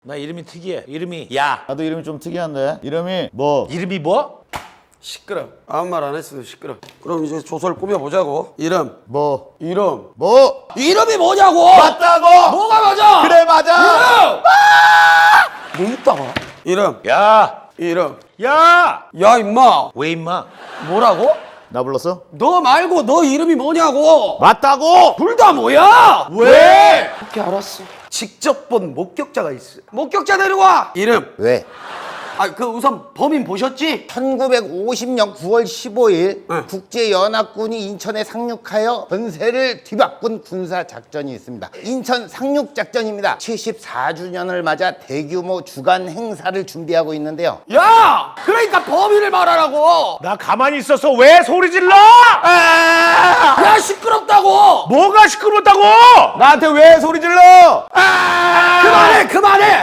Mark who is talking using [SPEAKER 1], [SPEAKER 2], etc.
[SPEAKER 1] 나 이름이 특이해. 이름이 야.
[SPEAKER 2] 나도 이름이 좀 특이한데. 이름이 뭐?
[SPEAKER 1] 이름이 뭐?
[SPEAKER 3] 시끄러. 아무 말 안 했어도 시끄러. 그럼 이제 조서를 꾸며보자고. 이름.
[SPEAKER 2] 뭐?
[SPEAKER 3] 이름.
[SPEAKER 2] 뭐?
[SPEAKER 3] 이름이 뭐냐고!
[SPEAKER 2] 맞다고!
[SPEAKER 3] 뭐가 맞아!
[SPEAKER 2] 그래 맞아!
[SPEAKER 3] 뭐 있다고? 이름.
[SPEAKER 1] 야.
[SPEAKER 3] 이름.
[SPEAKER 1] 야.
[SPEAKER 3] 야, 임마.
[SPEAKER 1] 왜 임마?
[SPEAKER 3] 뭐라고?
[SPEAKER 2] 나 불렀어?
[SPEAKER 3] 너 말고 너 이름이 뭐냐고!
[SPEAKER 2] 맞다고!
[SPEAKER 3] 둘 다 뭐야!
[SPEAKER 2] 왜?
[SPEAKER 3] 어떻게 알았어? 직접 본 목격자가 있어. 목격자 데려와! 이름.
[SPEAKER 2] 왜?
[SPEAKER 3] 그 우선 범인 보셨지?
[SPEAKER 4] 1950년 9월 15일
[SPEAKER 3] 응.
[SPEAKER 4] 국제연합군이 인천에 상륙하여 전세를 뒤바꾼 군사작전이 있습니다. 인천 상륙작전입니다. 74주년을 맞아 대규모 주간 행사를 준비하고 있는데요.
[SPEAKER 3] 야! 그러니까 범인을 말하라고!
[SPEAKER 1] 나 가만히 있어서 왜 소리 질러?
[SPEAKER 3] 야, 시끄럽다고!
[SPEAKER 1] 뭐가 시끄럽다고?
[SPEAKER 2] 나한테 왜 소리 질러?
[SPEAKER 3] 그만해! 그만해!